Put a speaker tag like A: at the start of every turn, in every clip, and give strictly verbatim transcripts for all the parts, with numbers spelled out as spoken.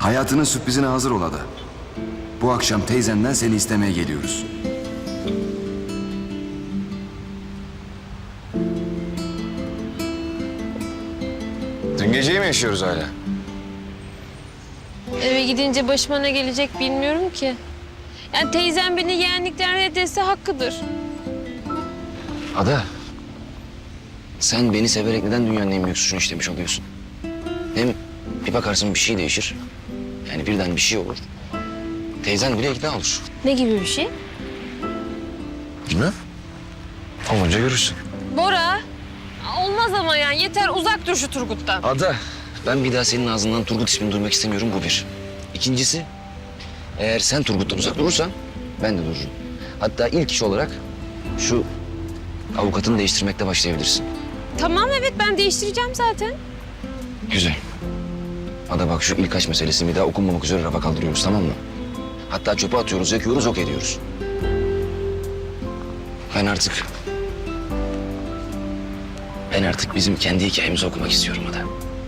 A: Hayatının sürprizine hazır ol Ada. Bu akşam teyzenden seni istemeye geliyoruz. Dün geceyi mi yaşıyoruz hala?
B: Eve gidince başıma ne gelecek bilmiyorum ki. Yani teyzem beni yeğenlikten reddetse hakkıdır.
C: Ada, sen beni severek neden dünyanın en büyük suçunu işlemiş oluyorsun? Hem bir bakarsın bir şey değişir. Yani birden bir şey olur. Teyzen bile ikna olur.
B: Ne gibi bir şey?
C: Bilmem. Olunca görürsün.
B: Bora, olmaz ama yani yeter uzak dur şu Turgut'tan.
C: Ada, ben bir daha senin ağzından Turgut ismini duymak istemiyorum, bu bir. İkincisi, eğer sen Turgut'tan uzak durursan ben de dururum. Hatta ilk iş olarak şu avukatını değiştirmekle başlayabilirsin.
B: Tamam evet ben değiştireceğim zaten.
C: Güzel. Ada bak, şu ilk aşk meselesini bir daha okunmamak üzere rafa kaldırıyoruz, tamam mı? Hatta çöpe atıyoruz, yakıyoruz, ok ediyoruz. Ben artık... Ben artık bizim kendi hikayemizi okumak istiyorum Ada.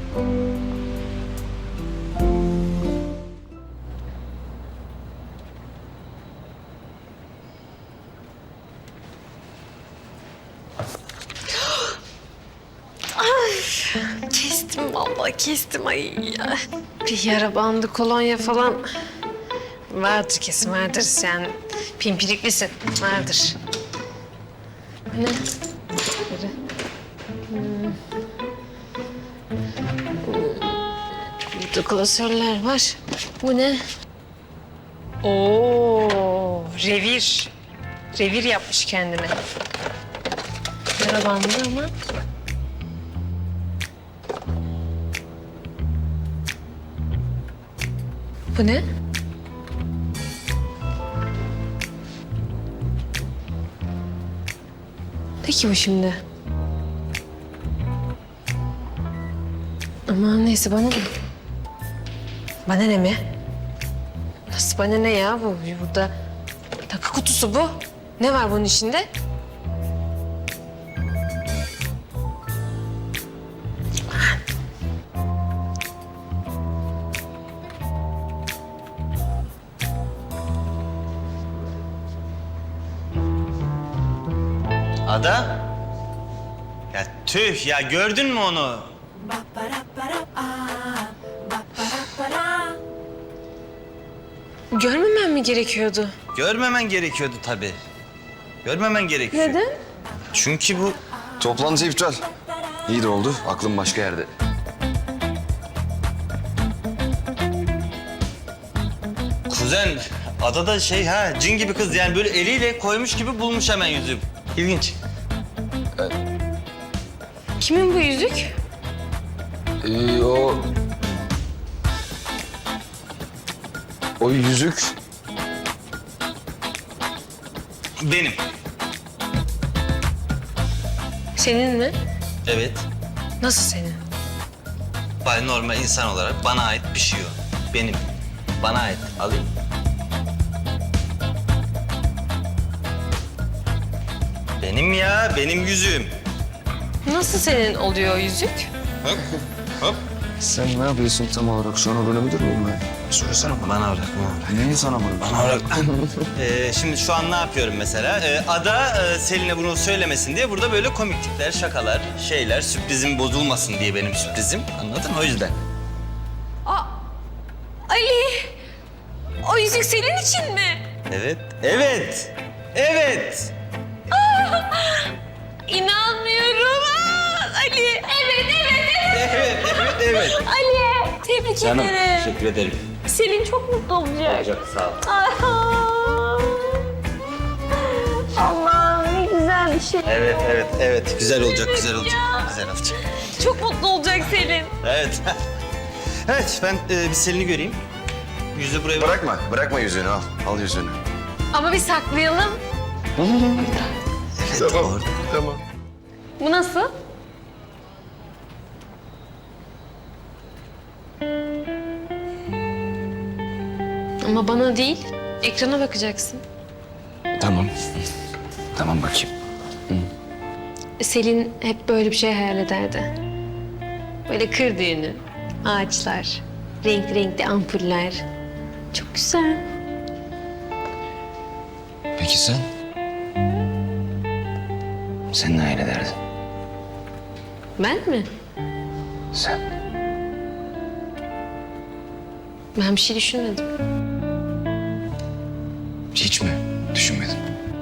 B: Kestim vallahi kestim ay ya. Bir yara bandı kolonya falan vardır kesin vardır sen pimpiriklisin vardır. Ne? Böyle. Hmm. Burada klasörler var. Bu ne? Oo, revir. Revir yapmış kendine. Yara bandı ama. Bu ne? Peki bu şimdi? Aman neyse bana ne? Bana ne mi? Nasıl bana ne ya bu? Burada takı kutusu bu. Ne var bunun içinde?
D: Ada? Ya tüh ya, gördün mü onu?
B: Görmemem mi gerekiyordu?
D: Görmemen gerekiyordu tabii. Görmemen gerekiyor.
B: Neden?
D: Çünkü bu...
A: Toplantı iptal. İyi de oldu. Aklım başka yerde.
D: Kuzen, Ada da şey ha, cin gibi kız yani, böyle eliyle koymuş gibi bulmuş hemen yüzüğü. İlginç.
B: Kimin bu yüzük?
A: Ee, o... O yüzük...
D: Benim.
B: Senin mi?
D: Evet.
B: Nasıl senin?
D: Bay normal insan olarak bana ait bir şey o. Benim. Bana ait. Alayım. Benim ya, benim yüzüğüm.
B: Nasıl senin oluyor o yüzük?
D: Hop, hop.
A: Sen ne yapıyorsun tam olarak? Sonra böyle müdür müyüm ben? Söylesene bana.
D: Bana bırak, bana bırak.
A: Neyi sana bunu?
D: Bana bırak. ee, şimdi şu an ne yapıyorum mesela? Ee, Ada e, Selin'e bunu söylemesin diye burada böyle komiklikler, şakalar, şeyler, sürprizim bozulmasın diye benim sürprizim. Anladın mı? O yüzden.
B: Aa, Ali! O yüzük senin için mi?
D: Evet, evet, evet.
B: İnanmıyorum. Aa, Ali! Evet, evet, evet.
D: Evet, evet, evet.
B: Ali! Tebrik
D: Canım,
B: ederim.
D: teşekkür ederim.
B: Selin çok mutlu olacak.
D: Olacak, sağ ol.
B: Ay, Allah'ım ne güzel bir şey.
D: Evet, evet, evet. Güzel olacak, güzel olacak. Güzel olacak.
B: Çok mutlu olacak Selin.
D: Evet. Evet, ben e, bir Selin'i göreyim. Yüzü buraya bırak.
A: Bırakma, bırakma yüzüğünü al. Al yüzüğünü.
B: Ama bir saklayalım.
D: Evet, tamam,
A: tamam.
B: Bu nasıl? Ama bana değil, ekrana bakacaksın.
C: Tamam. Tamam bakayım.
B: Selin hep böyle bir şey hayal ederdi. Böyle kır düğünü, ağaçlar, Renkli renkli ampuller. Çok güzel.
C: Peki sen? Sen ne hayal ederdin?
B: Ben mi?
C: Sen.
B: Ben bir şey düşünmedim.
C: Hiç mi düşünmedin?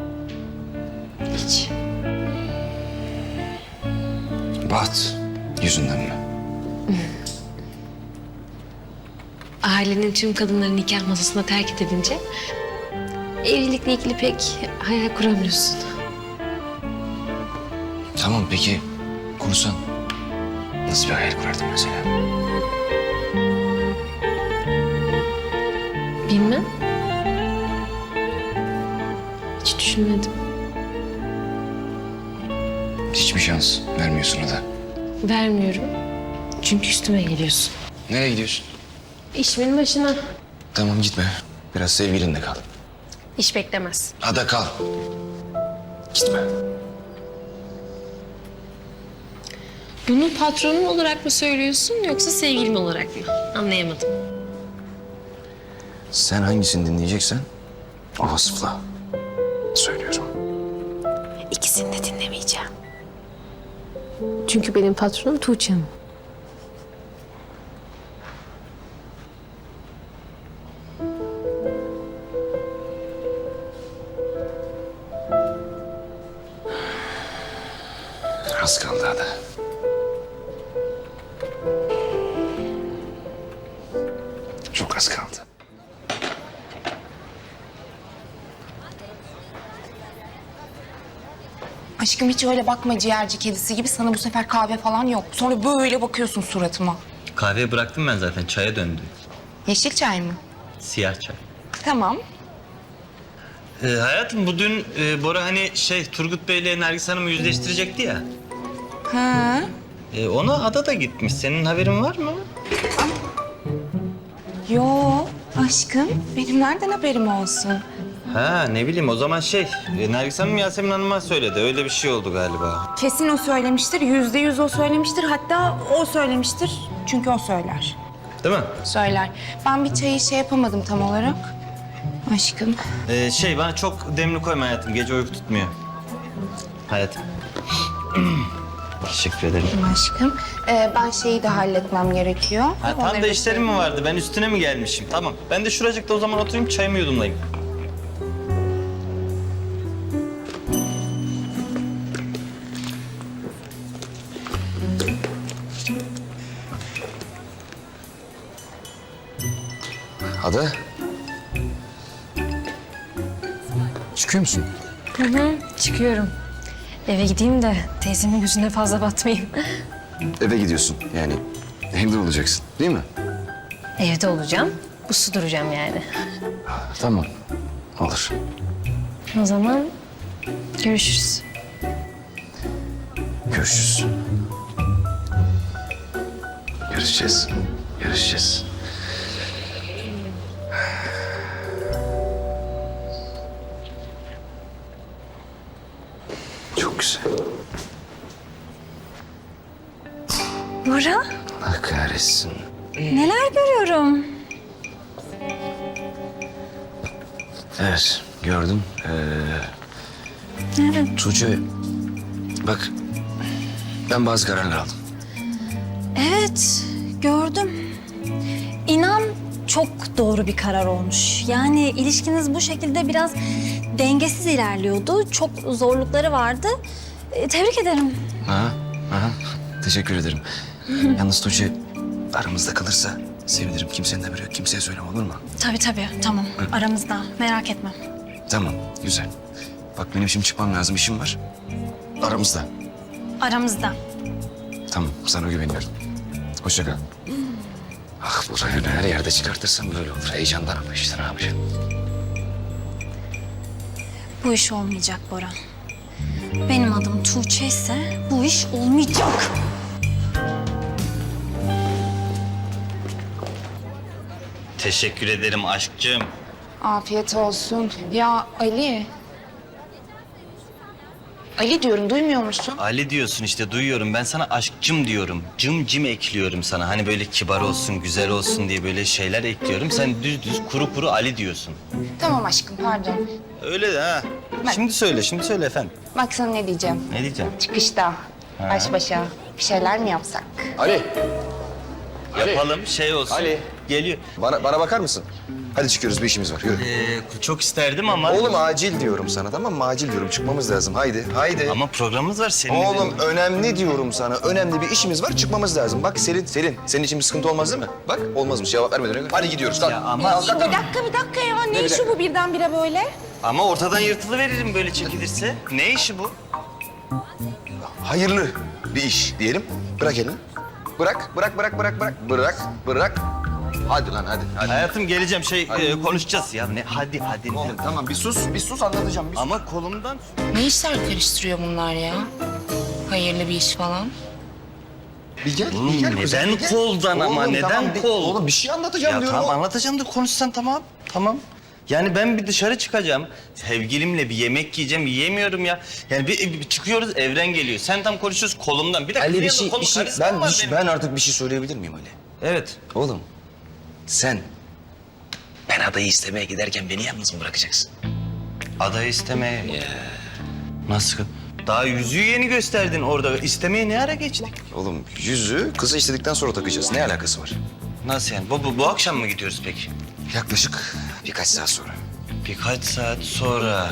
B: Hiç.
C: Baht yüzünden mi?
B: Ailenin tüm kadınları nikah masasına terk edilince evlilikle ilgili pek hayal kuramıyorsun.
C: Tamam peki kursan nasıl bir hayal kurardın mesela?
B: Bilmem. Hiç düşünmedim.
C: Hiçbir şans vermiyorsun o da.
B: Vermiyorum. Çünkü üstüme geliyorsun.
C: Nereye gidiyorsun?
B: İşimin başına.
C: Tamam gitme. Biraz sevgilinle kal.
B: İş beklemez.
C: Ada kal. Gitme.
B: Bunu patronun olarak mı söylüyorsun yoksa sevgilim olarak mı? Anlayamadım.
C: Sen hangisini dinleyeceksen o vasıfla söylüyorum.
B: İkisini de dinlemeyeceğim. Çünkü benim patronum Tuğçe Hanım.
C: Az kaldı Ada. Çok az kaldı.
E: Aşkım hiç öyle bakma ciğerci kedisi gibi. Sana bu sefer kahve falan yok. Sonra böyle bakıyorsun suratıma.
D: Kahveyi bıraktım ben zaten. Çaya döndü.
E: Yeşil çay mı?
D: Siyah çay.
E: Tamam.
D: Ee, hayatım bu dün e, Bora hani şey Turgut Bey'le Nergis Hanım'ı yüzleştirecekti ya.
E: Ha.
D: E, ona Ada da gitmiş. Senin haberin var mı?
E: Yo aşkım. Benim nereden haberim olsun?
D: Ha ne bileyim o zaman şey e, Nergis Hanım Yasemin Hanım'a söyledi. Öyle bir şey oldu galiba.
E: Kesin o söylemiştir. Yüzde yüz o söylemiştir. Hatta o söylemiştir. Çünkü o söyler.
D: Değil mi?
E: Söyler. Ben bir çayı şey yapamadım tam olarak. Aşkım.
D: Ee, şey bana çok demli koyma hayatım. Gece uyku tutmuyor. Hayatım. Teşekkür ederim.
E: Aşkım. Ee, ben şeyi de halletmem gerekiyor.
D: Ha, tam
E: Onları
D: da işlerim mi vardı? Ben üstüne mi gelmişim? Tamam. Ben de şuracıkta o zaman oturayım çayımı yudumlayayım.
C: Ada. Çıkıyor musun?
B: Hı hı, çıkıyorum. Eve gideyim de teyzemin yüzüne fazla batmayayım.
C: Eve gidiyorsun yani. Evde olacaksın değil mi?
B: Evde olacağım, uslu duracağım yani.
C: Tamam. Olur.
B: O zaman görüşürüz.
C: Görüşürüz. Görüşeceğiz. Görüşeceğiz. Çok güzel.
F: Bora,
C: Allah kahretsin.
F: neler görüyorum?
C: Evet, gördüm. Ee,
F: Evet.
C: Tuğçe, bak ben bazı kararlar aldım.
F: Evet, gördüm. İnan çok doğru bir karar olmuş. Yani ilişkiniz bu şekilde biraz dengesiz ilerliyordu. Çok zorlukları vardı. E, tebrik ederim.
C: Aha, aha. Teşekkür ederim. Yalnız Tuğçe aramızda kalırsa sevinirim. Kimsenin haberi yok. Kimseye söyleme olur mu?
F: Tabii tabii, tamam. Aramızda, merak etme.
C: Tamam, güzel. Bak benim şimdi çıkmam lazım. İşim var. Aramızda.
F: Aramızda.
C: Tamam, sana güveniyorum. Hoşça kal. Ah bu rayonu her yerde çıkartırsam böyle olur. Heyecandan ama işte ne yapacağım?
F: Bu iş olmayacak Bora. Benim adım Tuğçe ise bu iş olmayacak.
D: Teşekkür ederim aşkcığım.
E: Afiyet olsun. Ya Ali. Ali diyorum, duymuyor musun?
D: Ali diyorsun işte, duyuyorum. Ben sana aşkcım diyorum. Cım cim ekliyorum sana. Hani böyle kibar olsun, güzel olsun diye böyle şeyler ekliyorum. Sen düz düz kuru kuru Ali diyorsun.
E: Tamam aşkım, pardon.
D: Öyle de ha.
E: Ben-
D: Şimdi söyle, şimdi söyle efendim.
E: Bak sana ne diyeceğim.
D: Ne diyeceğim?
E: Çıkışta, baş başa bir şeyler mi yapsak?
A: Ali,
D: Yapalım, şey olsun.
A: Ali.
D: Geliyor.
A: bana, bana bakar mısın? Hadi çıkıyoruz, bir işimiz var. Yürü.
D: Ee, çok isterdim ama...
A: Oğlum acil diyorum sana, tamam mı? Acil diyorum, çıkmamız lazım. Haydi, haydi.
D: Ama programımız var senin.
A: Oğlum önemli diyorum sana. Önemli bir işimiz var, çıkmamız lazım. Bak Selin, Selin. Senin için bir sıkıntı olmaz değil mi? Bak olmazmış, cevap vermeden önce. Hadi gidiyoruz, kalk.
D: Ya ama,
E: Bir dakika, bir dakika ya. Ne,
A: bir
E: işi
A: dakika?
E: bu birdenbire böyle?
D: ama ortadan yırtılıveririm böyle çekilirse. Ne işi bu?
A: Hayırlı bir iş diyelim. Bırak elini. Bırak, bırak, bırak, bırak, bırak. Bırak, bırak. Hadi lan, hadi. hadi.
D: Hayatım geleceğim, şey e, konuşacağız ya. Ne? Hadi, hadi.
A: Oğlum tamam, bir sus, bir sus anlatacağım. Bir sus.
D: Ama kolumdan...
E: Ne işler karıştırıyor bunlar ya? Hayırlı bir iş falan.
A: Bir gel,
D: Oğlum
A: bir gel. kuzen,
D: neden
A: bir gel.
D: koldan ama?
A: Oğlum,
D: Neden
A: tamam, bir-
D: kol?
A: Oğlum bir şey anlatacağım
D: Ya
A: diyorum.
D: tamam anlatacağım da konuşsan tamam. Tamam. Yani ben bir dışarı çıkacağım. Sevgilimle bir yemek yiyeceğim. Yiyemiyorum ya. Yani bir, bir çıkıyoruz, Evren geliyor. Sen tam konuşuyoruz kolumdan. Bir dakika.
A: Ali bir
D: yanında
A: şey,
D: kolum
A: bir şey,
D: karizma
A: ben,
D: var
A: bir şey-
D: benim.
A: ben artık bir şey söyleyebilir miyim Ali?
D: Evet.
A: Oğlum, sen
C: Ben adayı istemeye giderken beni yalnız mı bırakacaksın?
D: Adayı istemeye... Nasıl? Daha yüzüğü yeni gösterdin orada. İstemeye ne ara geçtik?
A: Oğlum yüzüğü kızı istedikten sonra takacağız. Ne alakası var?
D: Nasıl yani? Bu, bu, bu akşam mı gidiyoruz peki?
A: Yaklaşık birkaç saat sonra.
D: Birkaç saat sonra.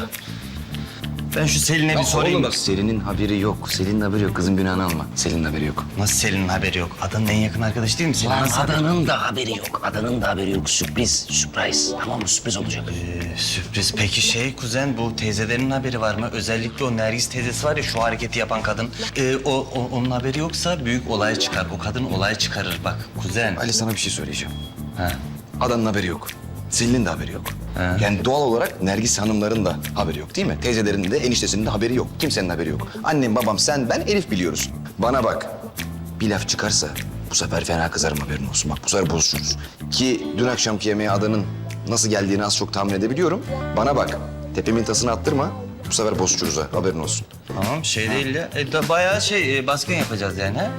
D: Ben şu Selin'e bir
A: Ya
D: sorayım.
A: oğlum
D: bak.
A: bak Selin'in haberi yok. Selin'in haberi yok. Kızın günahını alma. Selin'in haberi yok.
D: Nasıl Selin'in haberi yok? Adanın en yakın arkadaşı değil mi Selin?
C: Lan
D: Nasıl haberi-
C: adanın da haberi yok. Adanın da haberi yok. Sürpriz, surprise. Tamam mı? Sürpriz olacak.
D: Ee, sürpriz. Peki şey kuzen, bu teyzelerinin haberi var mı? Özellikle o Nergis teyzesi var ya, şu hareketi yapan kadın. Ee, o, o onun haberi yoksa büyük olay çıkar. O kadın olay çıkarır bak kuzen.
A: Ali sana bir şey söyleyeceğim.
D: Ha.
A: Adanın haberi yok. Selin'in de haberi yok.
D: He.
A: Yani doğal olarak Nergis hanımların da haberi yok değil mi? Teyzelerinin de eniştesinin de haberi yok. Kimsenin haberi yok. Annem, babam, sen, ben, Elif biliyoruz. Bana bak. Bir laf çıkarsa bu sefer fena kızarım, haberin olsun. Bak bu sefer bozuşuruz. Ki dün akşamki yemeğe adanın nasıl geldiğini az çok tahmin edebiliyorum. Bana bak. Tepemin tasını attırma. Bu sefer bozuşuruz ha, haberin olsun.
D: Tamam şey değil ya. E, da, bayağı şey e, baskın yapacağız yani ha?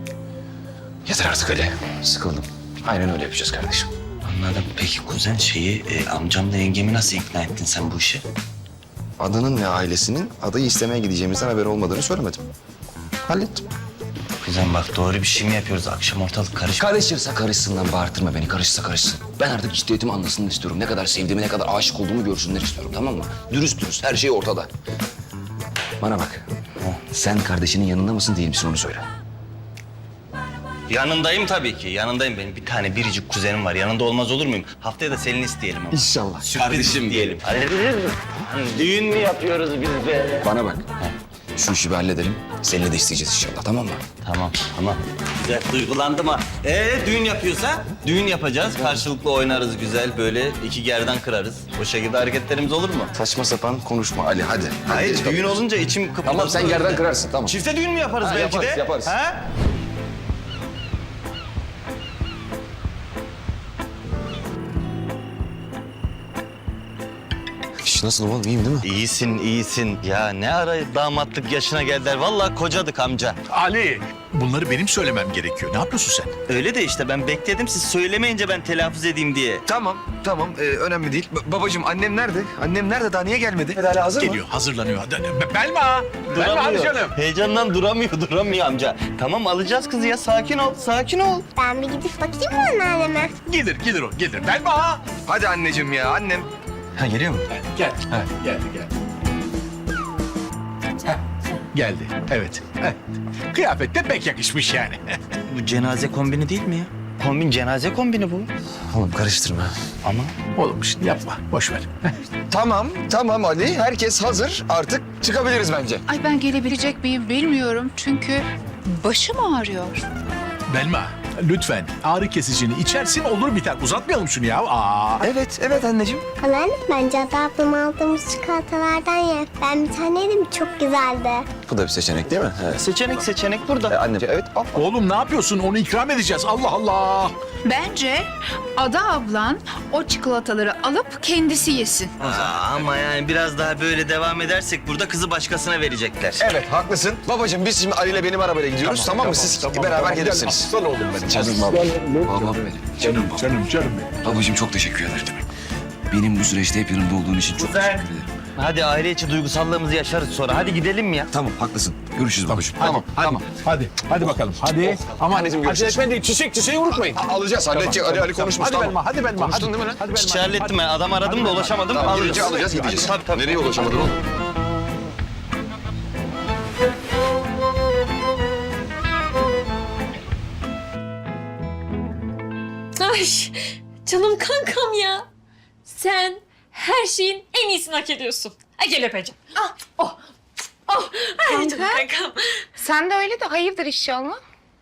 A: Yeter artık Ali. Sıkıldım. Aynen öyle yapacağız kardeşim.
D: Anladım. Peki kuzen şeyi e, amcamla yengemi nasıl ikna ettin sen bu işe?
A: Adanın ve ailesinin adayı istemeye gideceğimizden haberi olmadığını söylemedim. Hallettim.
D: Kuzen bak doğru bir şey mi yapıyoruz? Akşam ortalık karışık.
C: Karışırsa karışsın lan, bağırtırma beni. Karışsa karışsın. Ben artık ciddiyetimi anlasın istiyorum. Ne kadar sevdiğimi, ne kadar aşık olduğumu görsünler istiyorum, tamam mı? Dürüst dürüst, her şey ortada. Bana bak. Sen kardeşinin yanında mısın, değil misin onu söyle.
D: Yanındayım tabii ki. Yanındayım. Benim bir tane biricik kuzenim var. Yanında olmaz olur muyum? Haftaya da Selin'i isteyelim ama.
A: İnşallah.
D: Sürpriz diyelim. Düğün mü yapıyoruz biz be?
A: Bana bak. Şu işi bir halledelim. Seninle de isteyeceğiz inşallah, tamam mı?
D: Tamam, tamam. Güzel, duygulandım ha. Ee, düğün yapıyorsa düğün yapacağız. Karşılıklı oynarız güzel, böyle iki gerdan kırarız. O şekilde hareketlerimiz olur mu?
A: Saçma sapan konuşma Ali, hadi. hadi
D: Hayır,
A: geç
D: düğün
A: kalıyoruz.
D: olunca içim kıpırdadı.
A: Tamam, sen gerdan kırarsın, tamam.
D: Çifte düğün mü yaparız
A: Ha,
D: belki
A: yaparız,
D: de?
A: yaparız.
D: Ha?
A: İş nasıl oğlum, iyiyim değil mi?
D: İyisin, iyisin. Ya ne ara damatlık yaşına geldiler. Vallahi kocadık amca.
G: Ali, bunları benim söylemem gerekiyor. Ne yapıyorsun sen?
D: Öyle de işte ben bekledim siz söylemeyince ben telaffuz edeyim diye.
A: Tamam, tamam. Ee, önemli değil. Ba- babacığım, annem nerede? Annem nerede? Daha niye gelmedi? Hala hazır mı?
G: Geliyor, hazırlanıyor. Hadi, hadi. Belma! Belma hadi canım.
D: Heyecandan duramıyor, duramıyor amca. Tamam alacağız kızı ya. Sakin ol, sakin ol.
H: Ben bir gidip bakayım mı anneanneme?
G: Gelir, gelir o, gelir. Belma!
A: Hadi anneciğim ya, annem. Ha, geliyor mu?
G: Gel, geldi, geldi. Heh, geldi, evet. Heh. Kıyafet de pek yakışmış yani.
D: Bu cenaze kombini değil mi ya? Kombin cenaze kombini bu.
A: Oğlum karıştırma.
D: Ama
G: Oğlum şimdi yapma, boş ver. Heh.
A: Tamam, tamam Ali. Herkes hazır. Artık çıkabiliriz bence.
I: Ay ben gelebilecek miyim bilmiyorum çünkü başım ağrıyor.
G: Belma, lütfen ağrı kesicini içersin olur biter. Uzatmayalım şunu ya. Aa.
A: Evet, evet anneciğim.
H: Anneanne bence Ada ablam aldığımız çikolatalardan ye. Ben bir tane yedim çok güzeldi.
A: Bu da bir seçenek değil mi? Evet.
D: Seçenek seçenek
A: E,
D: burada.
A: annem evet. al.
G: Oğlum ne yapıyorsun? Onu ikram edeceğiz. Allah Allah.
I: Bence Ada ablan o çikolataları alıp kendisi yesin.
D: Aa, ama yani biraz daha böyle devam edersek burada kızı başkasına verecekler.
A: Evet haklısın. Babacığım biz şimdi Ali ile benim arabayla gidiyoruz tamam, mı? Siz beraber
G: tamam.
A: gelirsiniz.
G: Aslan oğlum benim.
A: Canım
G: Aslan
A: babam.
G: oğlum.
C: Babam benim.
G: Canım, canım, canım benim.
C: Babacığım çok teşekkür ederim. Benim bu süreçte hep yanımda olduğun için çok
D: Güzel.
C: teşekkür ederim.
D: Hadi aile içi duygusallığımızı yaşarız sonra. Hadi gidelim ya.
C: Tamam haklısın. Görüşürüz babacığım.
A: Tamam tamam.
G: Hadi, hadi bakalım. Hadi. Ama
A: Anneciğim,
G: acele
A: görüşürüz.
G: etmeyin. Çiçek, çiçeği unutmayın.
A: Alacağız halledecek. Ali Ali konuşmuş
G: Hadi
A: tamam.
G: Belma, hadi Belma.
A: Konuştun
G: hadi.
A: değil mi lan?
G: Hadi Belma.
D: İşi hallettim ben. Adam aradım da ulaşamadım.
A: Tamam,
D: Alırız.
A: gidince alacağız gideceğiz.
D: Tabii, tabii.
A: Nereye ulaşamadın oğlum?
B: Ay canım kankam ya. Sen her şeyin en iyisini hak ediyorsun. Ay gel öpeceğim. Ah, oh, oh. Ay canım kankam.
E: Sen de öyle de hayırdır inşallah.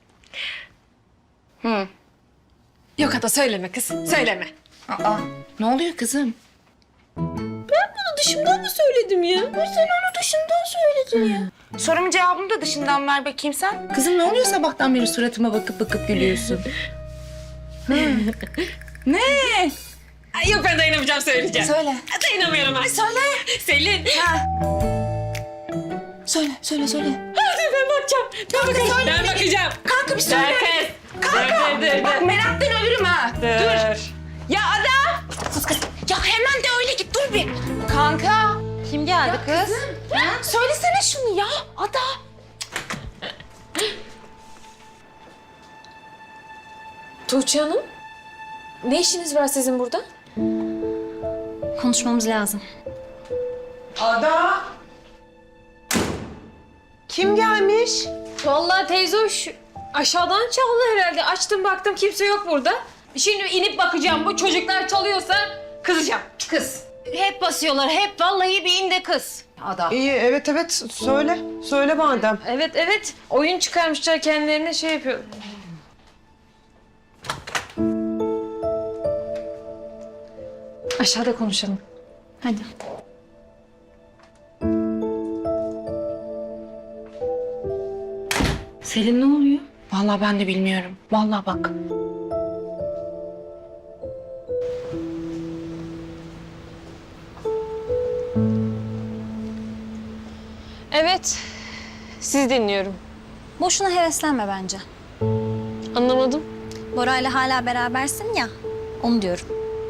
B: Yok Ada söyleme kız, söyleme.
E: Aa, ne oluyor kızım?
B: Dışımdan mı söyledim ya?
E: Sen onu dışından söyledin ya. Sorumun cevabını da dışından ver bakayım sen. Kızım ne oluyor sabahtan beri suratıma bakıp bakıp gülüyorsun? Ne?
B: Ay, yok ben dayanamayacağım söyleyeceğim.
E: Söyle.
B: Dayanamıyorum ben. Söyle. Selin.
E: Söyle, söyle, söyle.
B: Hadi ben bakacağım. Ben bakacağım. Ben bakacağım.
E: Kanka bir söyle.
B: Dur kız. Kanka. Dur dur dur.
E: Bak meraktan ölürüm ha.
B: Dur.
E: Ya Ada! Sus kız. Ya hemen de öyle git dur bir. Kanka.
B: Kim geldi kız?
E: Ha? Söylesene şunu ya Ada.
B: Tuğçe Hanım. Ne işiniz var sizin burada?
F: Konuşmamız lazım.
J: Kim gelmiş?
B: Vallahi teyze hoş. Aşağıdan çaldı herhalde. Açtım baktım kimse yok burada. Şimdi inip bakacağım. Bu çocuklar çalıyorsa kızacağım. Kız. Hep basıyorlar. Hep vallahi bir in de kız. Ada.
J: İyi, evet evet. Söyle. Söyle madem.
B: Evet evet. Oyun çıkarmışlar kendilerine şey yapıyor. Aşağıda konuşalım.
F: Hadi.
E: Selin ne oluyor? Vallahi ben de bilmiyorum. Vallahi bak.
B: Evet. Siz dinliyorum.
F: Boşuna heveslenme bence.
B: Anlamadım.
F: Bora'yla hala berabersin ya, onu diyorum.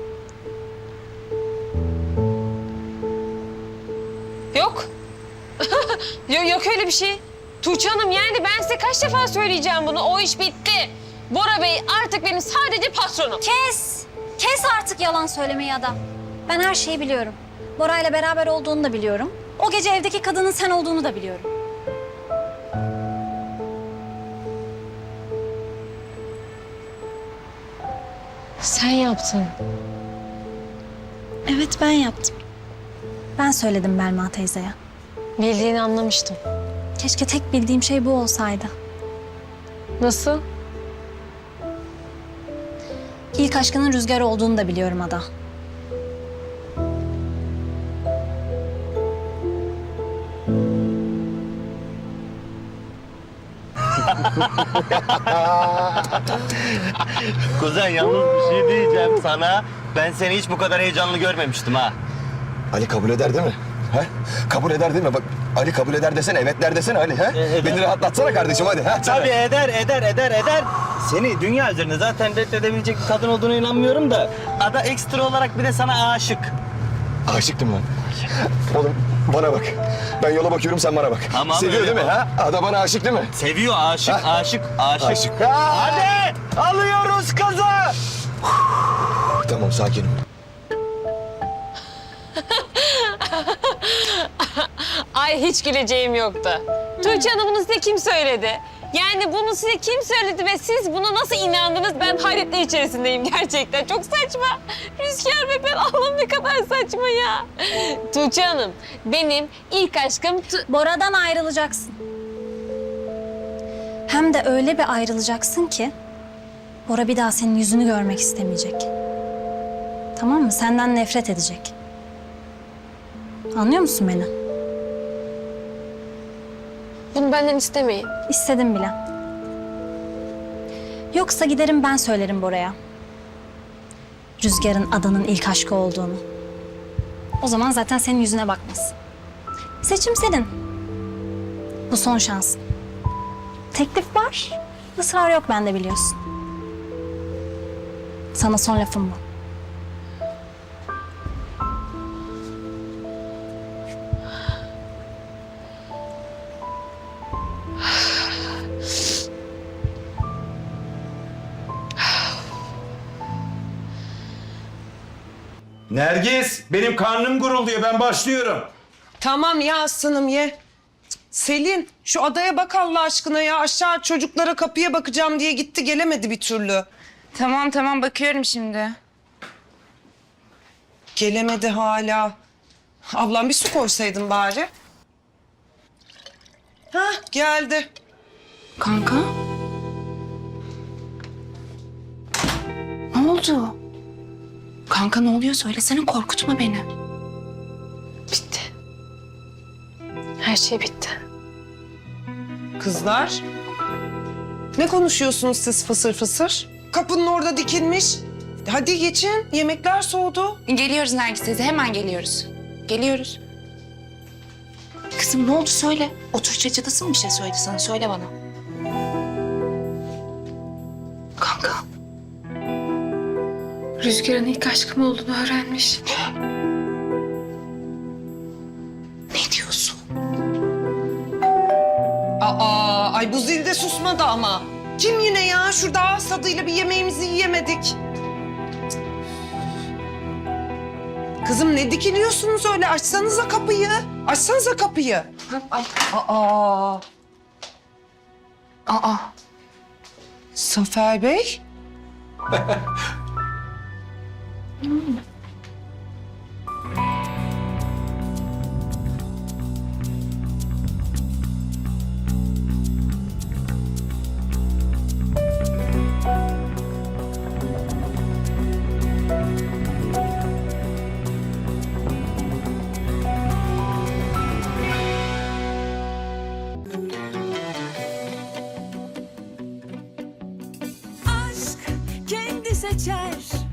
B: Yok. yok. Yok öyle bir şey. Tuğçe Hanım yani ben size kaç defa söyleyeceğim bunu. O iş bitti. Bora Bey artık benim sadece patronum.
F: Kes! Kes artık yalan söylemeyi adam. Ben her şeyi biliyorum. Bora'yla beraber olduğunu da biliyorum. O gece evdeki kadının sen olduğunu da biliyorum.
B: Sen yaptın.
F: Evet ben yaptım. Ben söyledim Belma teyzeye.
B: Bildiğini anlamıştım.
F: Keşke tek bildiğim şey bu olsaydı.
B: Nasıl?
F: İlk aşkının Rüzgar olduğunu da biliyorum Ada.
D: Kuzen yalnız bir şey diyeceğim sana. Ben seni hiç bu kadar heyecanlı görmemiştim ha.
A: Ali kabul eder değil mi? He? Kabul eder değil mi? Bak Ali kabul eder desene, evet der desene Ali. He?
D: E, eder.
A: Beni rahatlatsana kardeşim hadi. He?
D: Tabii eder, eder, eder, eder. Seni dünya üzerinde zaten reddedebilecek bir kadın olduğuna inanmıyorum da... Ada ekstra olarak bir de sana aşık.
A: Aşıktım lan. Oğlum bana bak. Ben yola bakıyorum sen bana bak.
D: Tamam,
A: Seviyor
D: öyle
A: değil mi?
D: bak.
A: Ha? Ada bana aşık değil mi?
D: Seviyor, aşık,
A: Ha?
D: aşık, aşık.
A: Aşık. Ha!
D: Hadi alıyoruz kızı.
A: Tamam sakinim.
B: Ay hiç güleceğim yoktu. Tuğçe Hanım bunu size kim söyledi? Yani bunu size kim söyledi ve siz buna nasıl inandınız? Ben hayretler içerisindeyim gerçekten. Çok saçma. Rüzgar ve ben Allah'ım ne kadar saçma ya. Tuğçe Hanım benim ilk aşkım... Tu-
F: Bora'dan ayrılacaksın. Hem de öyle bir ayrılacaksın ki... Bora bir daha senin yüzünü görmek istemeyecek. Tamam mı? Senden nefret edecek. Anlıyor musun beni?
B: Bunu benden istemeyin.
F: İstedim bile. Yoksa giderim ben söylerim Bora'ya. Rüzgar'ın Adan'ın ilk aşkı olduğunu. O zaman zaten senin yüzüne bakmaz. Seçim senin. Bu son şansın. Teklif var, ısrar yok bende biliyorsun. Sana son lafım bu.
K: Nergis, benim karnım gurulduyor. Ben başlıyorum.
J: Tamam ya aslanım ye. Selin şu adaya bak Allah aşkına ya. Aşağı çocuklara kapıya bakacağım diye gitti gelemedi bir türlü.
E: Tamam tamam bakıyorum şimdi.
J: Gelemedi hala. Ablam bir su koysaydın bari. Hah geldi.
E: Kanka? Ne oldu? Kanka ne oluyor söylesene korkutma beni.
B: Bitti. Her şey bitti.
J: Kızlar. Ne konuşuyorsunuz siz fısır fısır? Kapının orada dikilmiş. Hadi geçin yemekler soğudu.
E: Geliyoruz Nergis teyze hemen geliyoruz. Geliyoruz. Kızım ne oldu söyle. O Tuğçe cadısı mı bir şey söyledi sana söyle bana. Kanka. Rüzgar'ın ilk aşkım olduğunu öğrenmiş. Ne diyorsun?
J: Aa, ay bu zil de susmadı ama. Kim yine ya? Şurada ağız tadıyla bir yemeğimizi yiyemedik. Kızım ne dikiliyorsunuz öyle? Açsanıza kapıyı. Açsanıza kapıyı.
E: Ay.
J: Aa,
E: Aa.
J: Zafer Bey.
L: Aşk kendi seçer